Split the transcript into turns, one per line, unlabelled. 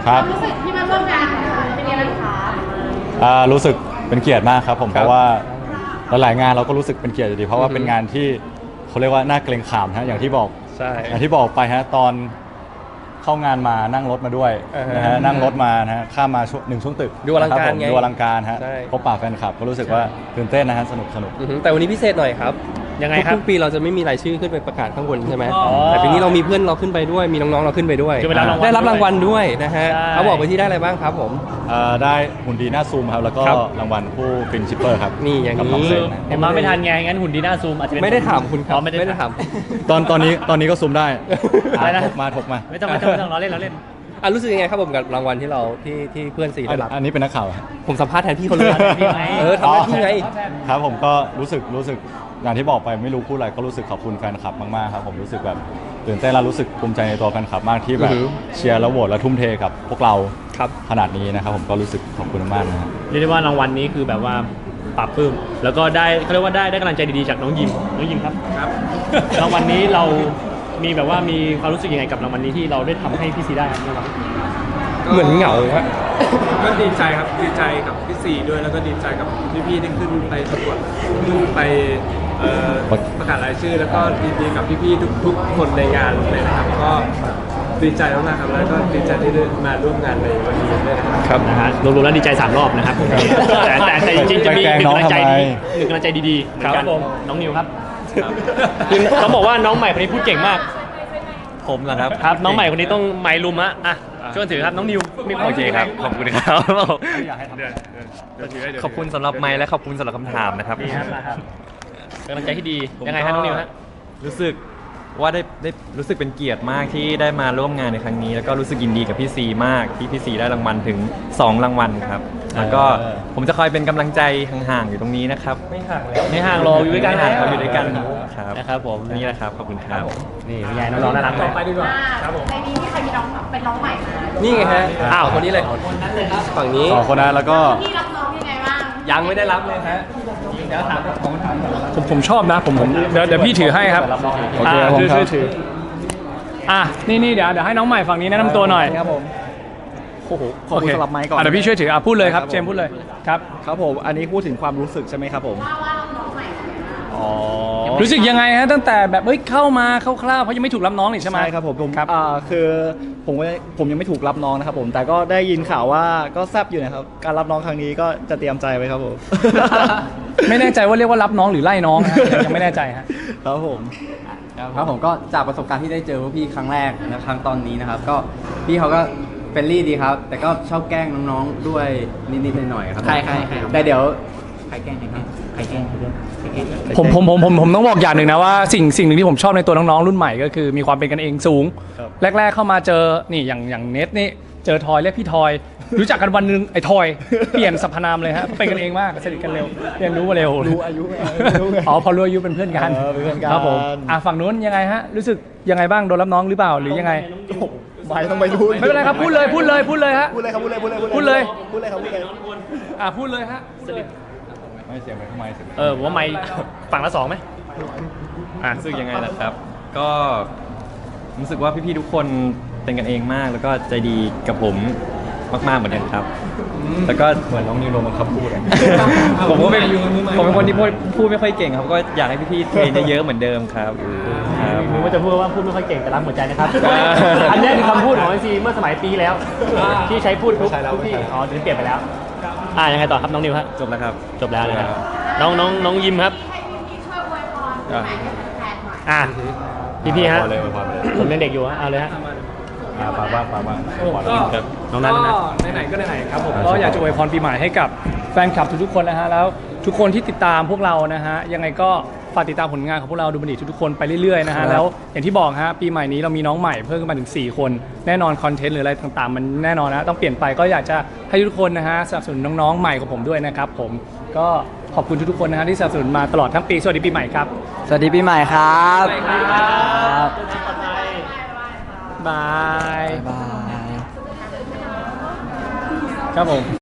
ครับ
รู้สึกที่มาร่วมงานเป็นยังไงบ้างคะ
รู้สึกเป็นเกียรติมากครับผมเพราะว่าหลายๆงานเราก็รู้สึกเป็นเกียรติอยู่ดีเพราะว่าเป็นงานที่เขาเรียกว่าน่าเกรงขามฮะอย่างที่บอก
ใช่
อย่างที่บอกไปฮะตอนเข้างานมานั่งรถมาด้วยนะฮะนั่งรถมานะฮะข้ามมาช่วงตึก
ดูอลังการ
นะคบผม
ไง
ดูอลังการฮะ
ใช่
พบปะแฟนคลับก็รู้สึกว่าตื่นเต้นนะฮะสนุก
แต่วันนี้พิเศษหน่อยครับ
ยังไงครับ
ทุกๆปีเราจะไม่มีรายชื่อขึ้นไปประกาศข้างบนใช่ไหม
อ๋อ
แต่ปีนี้เรามีเพื่อนเราขึ้นไปด้วยมีน้องๆเราขึ้นไปด้วย
ขึ้นไปรับรางวัล
ได้รับรางวัลด้วยนะฮะ
ใช่
เขาบอกไปที่ได้อะไรบ้างครับผม
ได้หุ่นดีหน้าซูมครับแล้วก็
ครับ
รางวัลผู้ฟินชิปเปอร์ครับ
นี่อย่างนี้
กับน้องเซนนะ
ผมมาไม่ทันไงงั้นหุ่นดีหน้าซูมอาจจะเป็น
ไม่ได้ถามคุณครับ
อ๋อไม่ได้
ถาม
ตอนนี้ก็ซูมได้
อะไรนะ
ถกมา
ไม่ต้องเราเล่นเราเล่น
อ่ะรู้สึกยังไงครับผมกับรางวัลที่เราที่เพื่อนซีได้รับ
อันนี้เป็นนักข่าวครับ
ผมสัมภาษณ์แทนพี่เขาเลย
พี่ไง
ทำหน้าที่ไง
ครับผมก็รู้สึกอย่างที่บอกไปไม่รู้พูดอะไรก็รู้สึกขอบคุณแฟนคลับมากๆครับผมรู้สึกแบบตื่นเต้นและรู้สึกภูมิใจในตัวแฟนคลับมากที่แบบ
อือหือ
เชียร์และโหวตและทุ่มเทกับพวกเรา
ครับ
ขนาดนี้นะครับผมก็รู้สึกขอบคุณมากนะครับ
เรียกได้ว่ารางวัลนี้คือแบบว่าปรับปลื้มแล้วก็ได้เขาเรียกว่าได้กำลังใจดีๆจากน้องยิมครับรางวัลนี้เรามีแบบว่ามีความรู้สึกยังไงกับรางวัลนี้ที่เราได้ทำให้พี่ซีได้ครับ
เหมือนเหงาฮะ
ก็ดีใจครับดีใจกับพี่ซีด้วยแล้วก็ดีใจกับพี่ๆที่ขึ้นไปประกวดขึ้นไปประกาศรายชื่อ แล้วก็ดีกับพี่ๆทุกคนในงานเลยนะครับก็ดีใจมากๆครับแล้วก็ดีใจที่ได้มาร่วมงานในวันนี้ด้วยนะครับ
ครับ
นะฮะรวมๆแล้วดีใจ3รอบนะครับแต่จริงๆจะมีหนึ่งกำลังใจดีหนึ่งกำลังใจดีๆเหมือนกันน้องนิวครับคือต้องบอกว่าน้องใหม่คนนี้พูดเก่งมาก
ผมเหรอครับ
ครับน้องใหม่คนนี้ต้องไมค์ลุมอ่ะช่วยถือครับน้องนิวมีวาม
โอเคครับ ขอบคุณครับ
เดี๋ยวถือให้เดี๋ยว
ขอบคุณสำหรับไมค์และขอบคุณสำหรับคำถามนะครับ
ดีครับนะครับกำลังใจที่ดียังไงฮะน้องนิวฮะ
รู้สึกว่าได้รู้สึกเป็นเกียรติมากที่ได้มาร่วมงานในครั้งนี้ แล้วก็รู้สึกยินดีกับพี่ซีมากที่พี่ซีได้รางวัลถึง 2 รางวัลครับ แล้วก็ผมจะคอยเป็นกำลังใจห่างๆอยู่ตรงนี้นะครับ
ไม่ห่างเลย
ไม่ห่างรออยู่ด้วยกัน
ไม่ห่างเราอยู่ด้วยกันครับ
นะครับผม
นี่แหละครับขอบคุณครับ
นี่เป็นไงน้องๆน่ารักไหม
ไปดีกว่า
ในนี้มีใครมีน้องเป็นน้องใหม่มา
นี่ไงฮะ
อ้าว
คนนี้เลยฝั่งนี้
สองคนนะแล้วก็
พี่รับน้องยังไงบ้าง
ยังไม่ได้รับเลยฮะเดี๋ยวถามของถามก่อน
ผมชอบนะผมเดี๋ยวพี่ถือให้ครับ
โอเคผมครับ
ถือนี่เดี๋ยวให้น้องใหม่ฝั่งนี้แนะนำตัวหน่อย
ครับผม
โอ้โห
ขอบคุณสำหรับไมค์ก่อน
เดี๋ยวพี่ช่วยถือพูดเลยครับ
ครับผม
เจมส์พูดเลยครับ
ครับผม อันนี้พูดถึงความรู้สึกใช่ไหมครับผม
ว่าน้องใหม่
อ๋อ
รู้สึกยังไงฮะตั้งแต่แบบเข้ามาคร่าวๆเพราะยังไม่ถูกรับน้องนี่ใช่ไหม
ใช่ครับผม
ครับ
คือผมยังไม่ถูกรับน้องนะครับผม แต่ก็ได้ยินข่าวว่าก็แซบอยู่นะครับ การรับน้องครั้งนี้ก็จะเตรียมใจไว้ครับผม
ไม่แน่ใจว่าเรียกว่ารับน้องหรือไล่น้องฮะยังไม่แน่ใจฮะ
ครับผม
ครับผมก็จากประสบการณ์ที่ได้เจอพวกพี่ครั้งแรกนะครั้งตอนนี้นะครับ ก็พี่เขาก็เฟรนลี่ดีครับ แต่ก็ชอบแกล้งน้องๆด้วยนิดๆหน่อยๆครับ
ใคร
แต่เดี๋ยวใครแกล้งใครแกล้ง
ผมต้องบอกอย่างหนึ่งนะว่าสิ่งหนึ่งที่ผมชอบในตัวน้องๆรุ่นใหม่ก็คือมีความเป็นกันเองสูง แรกๆเข้ามาเจอนี่อย่างเน็ตนี่เจอทอยเรียกพี่ทอย รู้จักกันวันหนึงไอ้ทอยเปลี่ยนสรรพนามเลยฮะเป็นกันเองมากสนิทกันเร็วเรียนรู้มาเร็ว
รู้อายุ
อ๋อพอรู้อายุเป็นเพื่อนกัน
เป็นเพื่อนกัน
ครับผมฝั่งนู้นยังไงฮะรู้สึกยังไงบ้างโดนรับน้องหรือเปล่าหรือยังไง
ไม่ต้องไปรู้
ไม่เป็นไรครับพูดเลยฮะ
พูดเลยครับพูดเลย
พูดเลย
พูดเลยครับพูดเลย
พูดเลยฮะ
ไม่เสียงไปทำไมเสียง
ผมว่าไมค์ฝั่งละ2ไหม
รู้สึกยังไงล่ะครับ ก็รู้สึกว่าพี่ๆทุกคนเป็นกันเองมาก แล้วก็ใจดีกับผมมากๆเหมือนกันครับ แล้วก็
เหมือนน้องนิวโดนบังคับพูดอะ
ผมเป็นคนที่พูดไม่ค่อยเก่งครับ ก็อยากให้พี่ๆเทรนเยอะๆเหมือนเดิมครับครับ
นึกว่าจะพูดว่าพูดไม่ค่อยเก่งแต่รักหัวใจนะครับ อันนี้คือคำพูดของไอซีเมื่อสมัยปีแล้ว ที่ใช้พูดทุกที่อ๋อเดี๋ยวเปลี่ยนไปแล้วยังไงต่อครับน้องนิวฮะ
จบแล้วครับ
จบแล้วนะครับน้องยิมครับ
ให้พี่ช่วยอวยพรปีใหม่ให้แฟนๆหน่อย
พี่ฮะ
พอเลยพอเลย
ผมยังเด็กอยู่ฮะเอาเลยฮะ
ปาบ้าง
ก็
ครับ
น้องนัทนะ
ไหนๆก็ไหนๆครับผมก็อยากจะอวยพรปีใหม่ให้กับแฟนคลับทุกๆคนนะฮะแล้วทุกคนที่ติดตามพวกเรานะฮะยังไงก็ฝากติดตามผลงานของพวกเราดูบันดีทุกๆคนไปเรื่อยๆนะฮะแล้วอย่างที่บอกฮะปีใหม่นี้เรามีน้องใหม่เพิ่มขึ้นมาถึง4คนแน่นอนคอนเทนต์หรืออะไรต่างๆ มันแน่นอนนะต้องเปลี่ยนไปก็อยากจะให้ทุกคนนะฮะสนับสนุนน้องๆใหม่ของผมด้วยนะครับผมก็ขอบคุณทุกๆคนนะฮะที่สนับสนุนมาตลอดทั้งปีสวัสดีปีใหม่ครับ
สวัสดีปีใหม่ครับ
บาย
บาย
ครับผม